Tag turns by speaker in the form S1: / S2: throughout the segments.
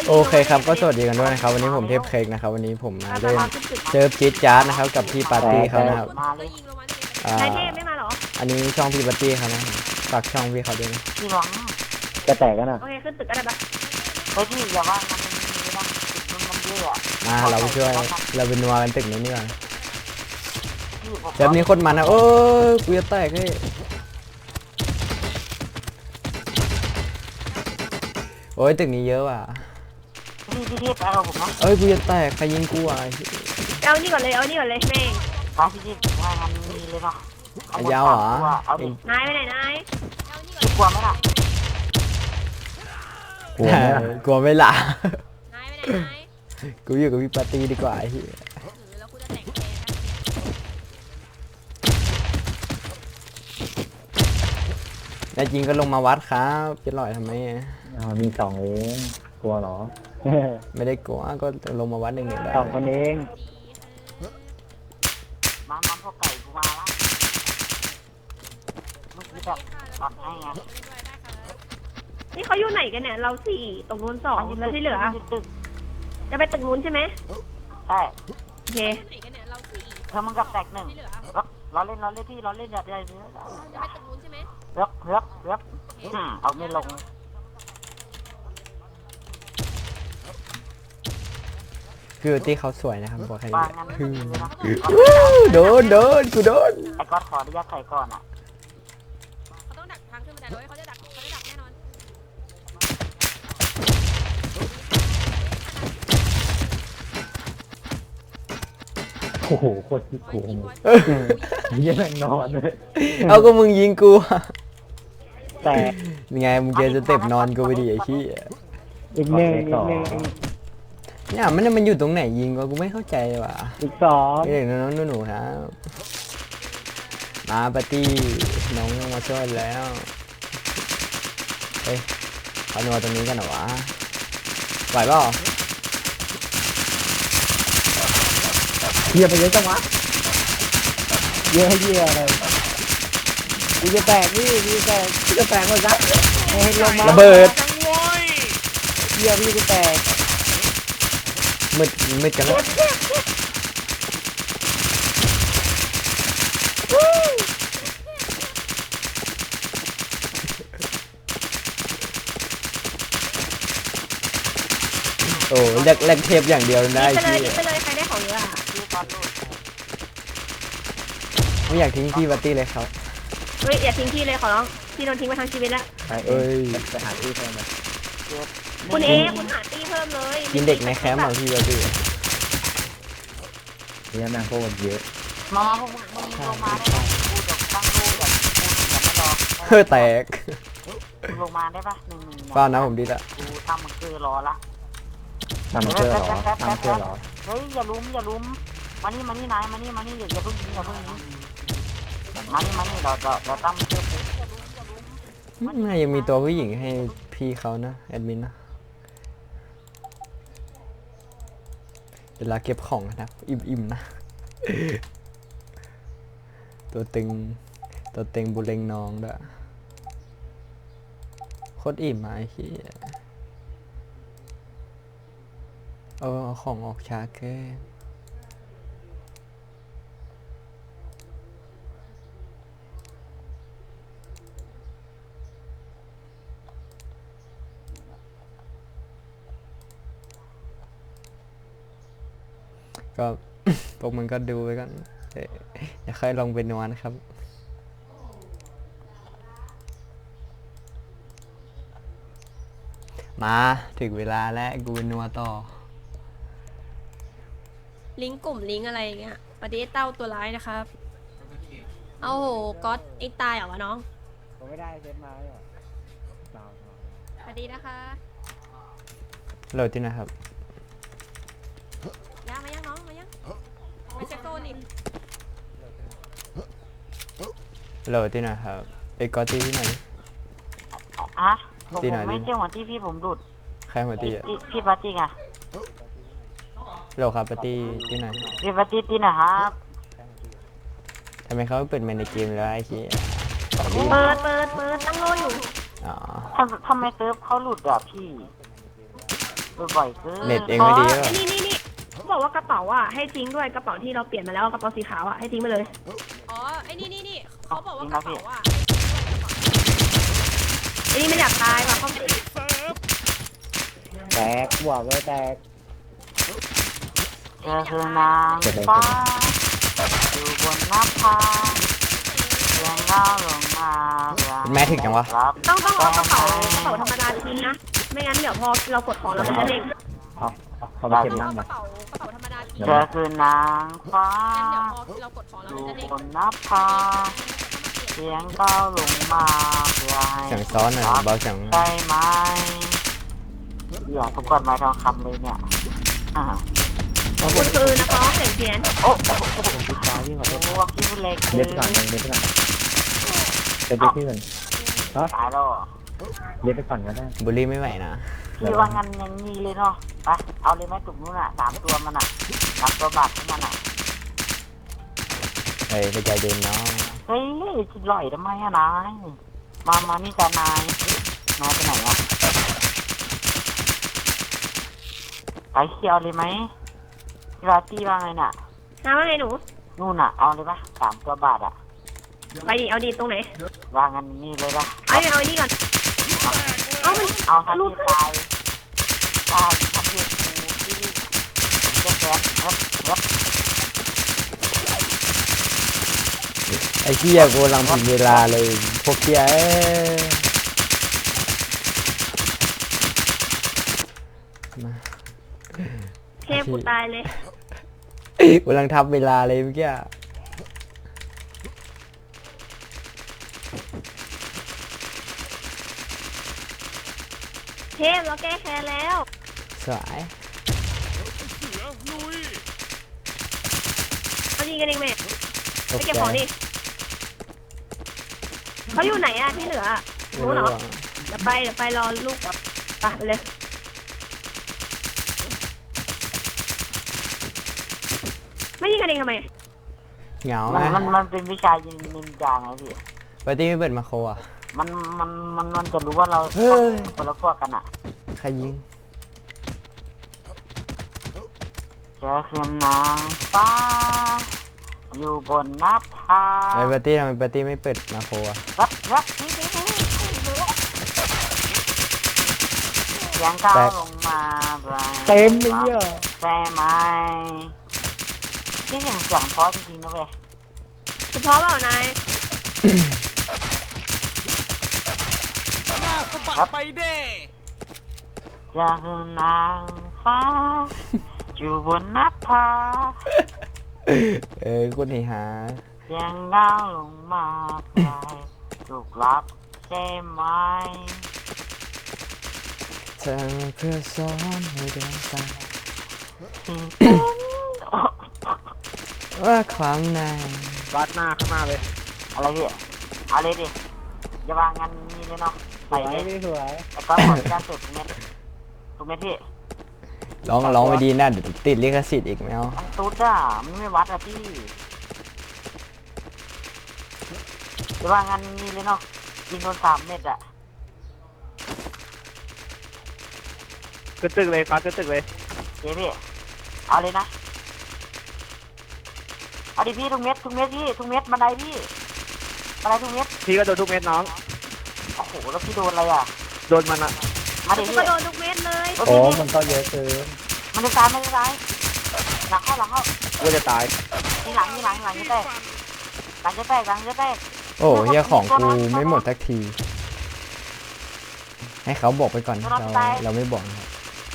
S1: โอเคครับก็สวัสดีกันด้วยนะครับวันนี้ผมเทพเค้กนะครับวันนี้ผมมาเล่นเซิร์ฟจี๊ดจ๊าดนะครับกับพี่ปาร์ตี้เขานะครับ
S2: นายเทพไม่มาหรอ
S1: อันนี้ช่องพี่ปาร์ตี้เขานะฝากช่องพี่เขาด้วยนะ
S3: พี่หวัง
S4: จะแตกกันอ่ะ
S2: โอเคขึ้นตึกก็ได้ปะ
S3: เฮ้ยพี่อย่าว่ามันมีนะติดมันเยอะอ่ะ
S1: มาเราไปช่วยเราเป็นนัวกันตึกนี้นี่ก่อน
S3: พี่ผม
S1: เซิร์ฟนี้โคนมันนะโอ้ยกูจะแตกเฮ้ยโอ้ยตึกนี้เยอะว่ะ
S3: พี่ไปเอาผมนะ
S1: เอ้ยกูจะแตกใครยิงกูอ่ะ
S2: เอานี่ก่อนเลยเอานี่ก่อนเลยแม่ง
S3: ไปพี่ว่ามันมีเลยเนาะ
S1: ยาวเหรอ
S3: เอาดิ
S2: นายไปไหนนาย
S3: พี่กลัวไหมล่ะ
S4: กลัวไหมล่ะ
S1: กลัวไม่ละ
S2: นายไปไหนนาย
S1: กูอยู่กับพี่ปาร์ตี้ดีกว่าไอ้เหี้ย
S2: แล้วกูจะแต่งแทน
S1: แน่จริงก็ลงมาวัดครับจะลอยทำไม
S4: มีสองเองกลัวเหรอ
S1: ไม่ได้กลัวก็ลงมาวัดหนึ่งได้
S4: สองคนเอง
S3: มันพวกไก่กูมาละเมื่อกี้แบบตอนให้ไง
S2: นี่เขาอยู่ไหนกันเนี่ยเราสี่ตรงนู้นสองแล้วที่เหลือจะไปตึกนู้นใช่ไหม
S3: ใช่
S2: โอเค
S3: เธอมึงกับแตกหนึ่งเราเล่นพี่เราเล่นอย่าได้เยอะ
S2: จะไปตึกนู้นใช่ไหม
S3: เลือกเอาไม่ลง
S1: คือที่เขาสวยนะครับบอกให้
S3: วางงั้นไม่มีเลยนะ
S1: โดนกูโดน
S3: ไอ้ก๊อตขออนุญาตใส่ก่อนอ่ะ
S2: เขาต้องดักทางขึ้นบันไดด้วยเขาจะดักแน่นอน
S4: โอ้โหโคตรที่กลัวเยี่ยแม่งนอนเลย
S1: เอาก็มึงยิงกู
S4: แตก
S1: ยังไงมึงเจอสเต็ปนอนกูไปดิไอ้ขี้ย
S4: อีกหนึ่งอีกหนึ่ง
S1: เนี่ยมันอยู่ตรงไหนยิงวะกูไม่เข้าใจว่ะ
S4: อีกสอง
S1: เด็กน้องหนูๆครับมาปาร์ตี้น้องมาช่วยแล้วเฮ้ยเขานอนตรงนี้กันเหรอวะไหวเปล่า
S4: เยี่ยไปเยอะจังวะเยอะให้เยี่ยอะไรกูจะแตกนี่กูจะแตกหมดละให้ลงมา
S1: ระเบิด
S4: เยี่ยพี่จะแตก
S1: มืดกันแล้วโอ้แลกเทปอย่างเดียวได้
S2: ไปเลย
S1: พี่
S2: ไปเลยใครได้ของเยอะ
S3: พี่ก๊อตลูก
S1: ไม่อยากทิ้งพี่ปาร์ตี้เลยครับ
S2: เฮ้ยอย่าทิ้งพี่เลยขอร้องพี่โดนทิ้งมาทั้งชีวิตแล้ว
S4: ไปเอ้ยไปหาที่แทนเลย
S2: คุณคุณหาตี้เพิ่มเลย
S1: กินเด็กในแคมป์เหรอพี่ปาร์ตี้
S4: เนี่ยแม่งโคตรเยอะ
S3: มาพวกมึงลงมาได้ไหมกูจะตั้งรูแบบกูจะไม่รอ
S1: เฮ้ยแตก
S3: ลงมาได้ปะ1-1
S1: เปล่านะผมดีละ
S3: กูทำมันคือรอละ
S4: ทำเชื่อเหรอทำเชื่อเหรอ
S3: เฮ้ยอย่าลุ้มมานี่นายมานี่อย่าเพิ่งยิงมานี่เราตั้งเชื่อปุ๊บ
S1: น่ายังมีตัวผู้หญิงให้พี่เขานะแอดมินนะเวลาเก็บของนะอิ่มๆนะ ตัวตึงบุเรงน้องด้วยโคตรอิ่มมาไอ้ขี้ยเอาของออกช้าเกินก็ พวกมันก็ดูไปกันอย่าค่อยลองเป็นนวลนะครับ มาถึงเวลาแล้วกูเป็นนัวต่อ
S2: ลิงก์กลุ่มลิงก์อะไรอย่างเงี้ยปฏิเต้าตัวร้ายนะครับเอาโหก๊อตไอ้ตายเหรอวะน้อง
S4: ผมไม่ได้เซตมาเลยเปล่า
S2: สวัสดีนะคะ
S1: โหลดที่ไหนะครับ
S2: ย่ามายังน้องมายังมาจากโซนอีก
S1: โหลดที่ไหนะครับไอ้กอตตี้ที่ไหน
S3: อ่ะผมไม่เจ้าหัวที่พี่ผมดุด
S1: ใครหัวตี้อะ
S3: พี่ปาร์ตี้ไง
S1: โหลดครับปาร์ตี้ที่ไหน
S3: พี่ปาร์ตี้ที่ไหนครับ
S1: ทำไมเขาไม่เปิดเมนในเกมแล้วไอ้ขี้ย
S2: เปิดตั้งโลอยู่
S1: อ๋อ
S3: ทำไมเซิร์ฟเขาหลุดอ่ะพี่บ่อยเกิน
S1: เน็ตเองไม่ดีหรอ
S2: ไอ้นี่เขาบอกว่ากระเป๋าอ่ะให้ทิ้งด้วยกระเป๋าที่เราเปลี่ยนมาแล้วกระเป๋าสีขาวอ่ะให้ทิ้งไปเลยอ๋อไอ้นี่เขาบอกว่ากระเป๋าอ่ะไอ้นี่ไม่อยากตายว่ะเขา
S4: แตกบอกเลยแตก
S3: เธอคือนางฟ้าอยู่บนหน้าผาเสียงเล่าลงมา
S1: แม่ถึงจังวะ
S2: ต้องเอากระเป๋าธรรมดาทิ้งนะไม่งั้นเดี๋ยวพอเรากดของเราจะเด้ง
S4: เขามาเก็บนั่ง
S2: ก
S4: มา
S2: ระเป๋าธรรมดาทิ้ง
S3: เธอคือนางฟ้า
S2: เดี๋ยวพอเรากดของเรา
S3: อยู่
S2: จะเด้ง
S3: บนหน้าผาเสียงเล่าลงมาเพื่อให้
S1: เสียงซ้อนหน่อยเบาเสียง
S3: ได้ไหมอยากทุกคนไม้ทองคำเลยเนี่ย
S2: คุณคือนักร้องเสียงเพี้ยน
S3: โอ้โห
S4: พี่ตาพี่ขอโทษ
S3: ว่าคิวเล็ก
S4: เด็ดไปก่อนเด็ดไปก่อนเด็ดไปที่ก่อน
S3: ตายแล้ว
S4: เด็ดไปก่อนก็ได้
S1: บุลลี่ไม่ไหวนะ
S3: พี่ว่างั้นยังมีเลยเนาะไปเอาเลยไหมตุ่มนู้นอ่ะ3 ตัวมันอ่ะ3 ตัวบาทของมันอ่ะ
S1: เฮ้ยใจเย็นน้อง
S3: เฮ้ยจิลอยทำไมอะนายมานี่กันนายไปไหนอ่ะไปเที่ยวเลยไหมพี่ราตี้ว่าไงน่ะ
S2: น้าว่าไงหนู
S3: นู่นอ่ะเอาเลยปะ3 ตัวบาทอ่ะ
S2: ไปดิเอาดิตรงไหน
S3: ว่างั้นนี่เลยปะ
S2: เอาไอ้นี่ก่อนเอามัน
S3: เอาทันทีตายทันทีที่แก๊สครับ
S1: ไอ้เหี้ยกูกำลังผิดเวลาเลยพวกเหี้ยมา
S2: เทพกูตายเลย
S1: กูกำลังทับเวลาเลยเมื่อกี้
S2: เทพเราแก้แค้นแล้ว
S1: สวย
S2: เอาดีกันเองแม่
S1: ต
S2: ไป
S1: ก
S2: เก็บ
S1: ใจ
S2: ของดิเขาอยู่ไหนอะที่เหลือ
S1: ไม่
S2: รู้
S1: รู้
S2: เหรอ
S1: อะ
S2: เดี๋ยวไปรอลูกไปเลยไม่ยิงกันเองทำไม
S1: เหงาไหม
S3: มันเป็นวิชายิงนินจาไงพี่
S1: ปาร์ตี้ไม่เปิดมาโคอ่ะ
S3: มันจะรู้ว่าเรา
S1: เฮ้ย
S3: คนละพวกกันอ่ะ
S1: ใครยิง
S3: เจอคือนางฟ้าอยู่บนหน้าผา
S1: ไอ้ปาร์ตี้ทำไมปาร์ตี้ไม่เปิดมาโคอ่ะ
S3: รับนี่เสียงก้าวลงมา
S4: เต็มเลยอ่ะ
S3: ใช่ไหมที่เสียงเพราะจริงๆนะเว้ย
S2: เฉพาะเปล่านาย
S3: ไปเด้จะคือนางฟ้าอยู่บนหน้าผา
S1: กูหนีหา
S3: เสียงก้าวลงมาใครถูกรับใช่ไหม
S1: เธอเพื่อสอนให้เดินตามว่าความใน
S4: วัดหน้าข้างหน้าเลย
S3: อะไรพี่เอาเลยดิอย่าวางงานนี้เลยเนาะ
S4: ส
S3: ใส่
S4: วย
S3: เลย
S4: พี่สวย
S3: แต่ก็ขออนุญาตสุดเม็ดถูกไหมพี่
S1: ร้องไปดีนะเดี๋ยวติดลิขสิทธิ์อีกไหมเอา
S3: มันตุ๊ดอ่ะมันไม่วัดอ่ะพี่อย่าวางงานนี้เลยเนาะยิงโดน3 เม็ดอ่ะ
S4: ขึ้นตึกเลยฟ้าขึ้นตึกเลย
S3: เจ๊พี่เอาเลยนะเอาดิพี่ทุกเม็ดพี่ทุกเม็ดบันไดพี่บันไดทุกเม็ด
S4: พี่ก็โดนทุกเม็ดน้อง
S3: โอ้โหแล้วพี่โดนอะไรอ่ะ
S4: โดนมันอ่ะ
S3: มาดิ
S2: กู
S3: พี่
S2: ก็โดนทุกเม็ดเลย
S3: โอ้
S4: โอ้
S3: พี่
S4: มันก็เยอะเกิน
S3: มันจะตายไม่ได้ตายหลังเข้า
S4: กูจะตาย
S3: นี่หลังจะแตกหลังจะแตก
S1: โอ้เฮียของกูไม่หมดสักที ให้เขาบอกไปก่อนเราไม่บอกนะครับ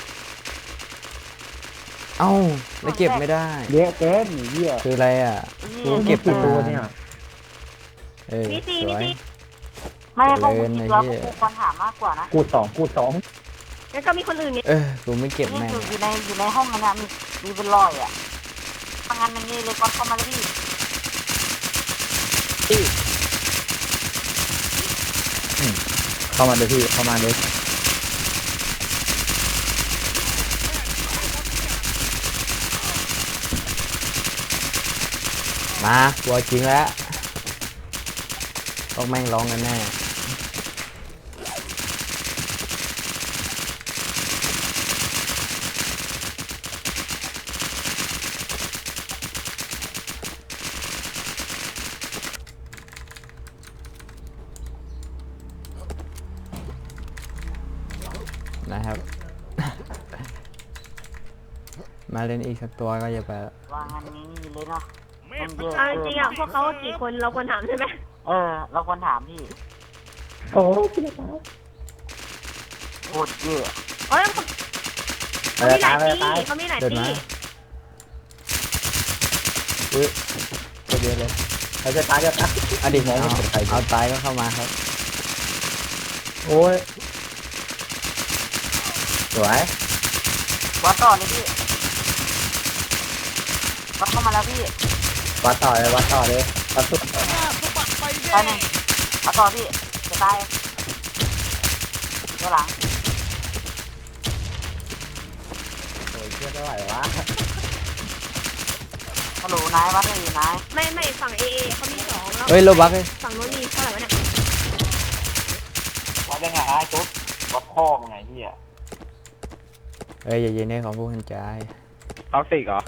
S1: เอ้าแล้วเก็บไม่ได้
S4: เยอะเกินเหี้ย
S1: คืออะไรอ่ะ กูเก็บ
S4: กี่
S1: มา
S4: ตัวเนี่ย
S2: มี
S1: ส
S2: ซี
S1: วย
S3: ไม่พวก
S1: เกิ
S3: กู
S1: น
S3: คิด
S1: ไอ้
S3: แล้ว
S1: เหี้ย
S3: กูควรถามมากกว่านะ
S4: กูสอง
S2: แล้วก็มีคนอื่นไง
S1: กูไม่เก็บ
S3: นี่
S1: แม่ง
S3: อยู่ในห้องนั้นมีเป็นรอยอ่ะทำงานอย่างนี้เลยก่อนเข้ามาเลยพี่
S4: เข้ามาเลยพี่เข้ามาเลย
S1: มาตัวจริงแล้วต้องแม่งร้องกันแน่มาเล่นอีกสักตัวก็อย่าไป
S3: วางอันนี้เลยเนาะมันเยอะ
S2: เอาจ
S3: เกิ
S2: ริ
S3: น
S2: งๆอ่ะพวกเขากี่คนเราควรถามใช่ไหม
S3: เราควรถามพี่
S4: โอ้พี่จะตาย
S3: โคตรเยอะ
S2: เอ้ยเขามีหลายตีเขามีหลาย
S1: เดิน
S2: ตี
S1: มาอุ้ยเยอะเลย
S4: เราจะตายจะตาย
S1: อดีตเอาตายก็เข้ามาครับ
S4: โอ้ยสวย
S3: วัดต่อเลยพี่วัดเข้ามาแล้วพี่
S4: วัดต่อเลยวัดต่อเลยวัดสุด
S3: ไปหนึ่งวัดต่อพี่จะตายเดี๋ยวหลัง
S4: โอ้ยเชื่อไม่ไหววะ
S3: ฮัลโหลนายวัดเลยนาย
S2: ไม่ฝั่งเอเขามีสองแล้ว
S1: เฮ้ยโลบักเลย
S2: ฝั่งโน้นมีเท่าไหร่วะเนี่ย
S3: วัดยังไงไอ้จุ๊บวัดพ่อมึงไงพี่อ่ะ
S1: เอ้ยอย่าเย็นให้ของผู้หันใจ
S4: ท็อกซิกเหรอ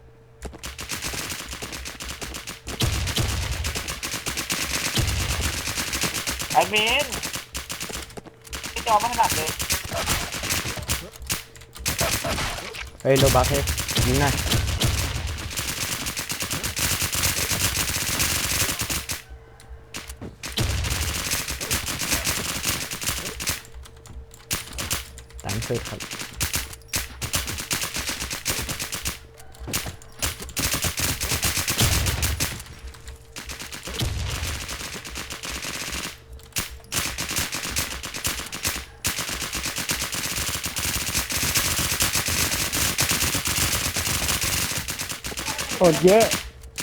S3: ไอ้เมนพี่จอไม่ถนัดเลย
S1: เฮ้ยโลบักเฮ้ยยิงหน่อยตามสุดครับ
S4: โคตรเยอะ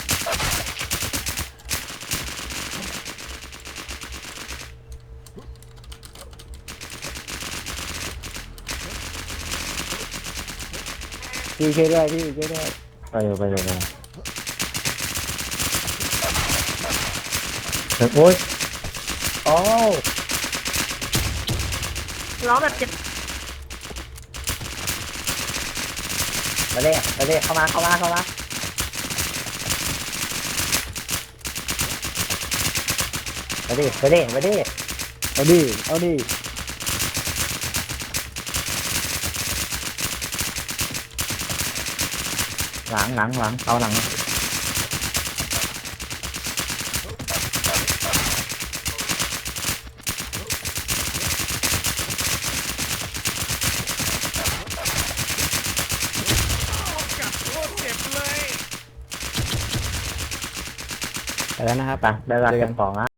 S4: พี่ช่วยด้วยพี่ช่วยด้วยไปเลยไปเลยไปเลยโอ้ยโอ้
S2: ร้องแบบเจ็บ
S4: มาเลยมาเลยเข้ามาเข้ามาเข้ามามาดิมาดิมาดิเอาดิเอาดิหลังหลังหลังเอาหลัง
S1: ไปแล้วนะครับ
S4: ไปได้รับ
S1: เจอ
S4: เก็
S1: กับ น
S4: ของอ่ะ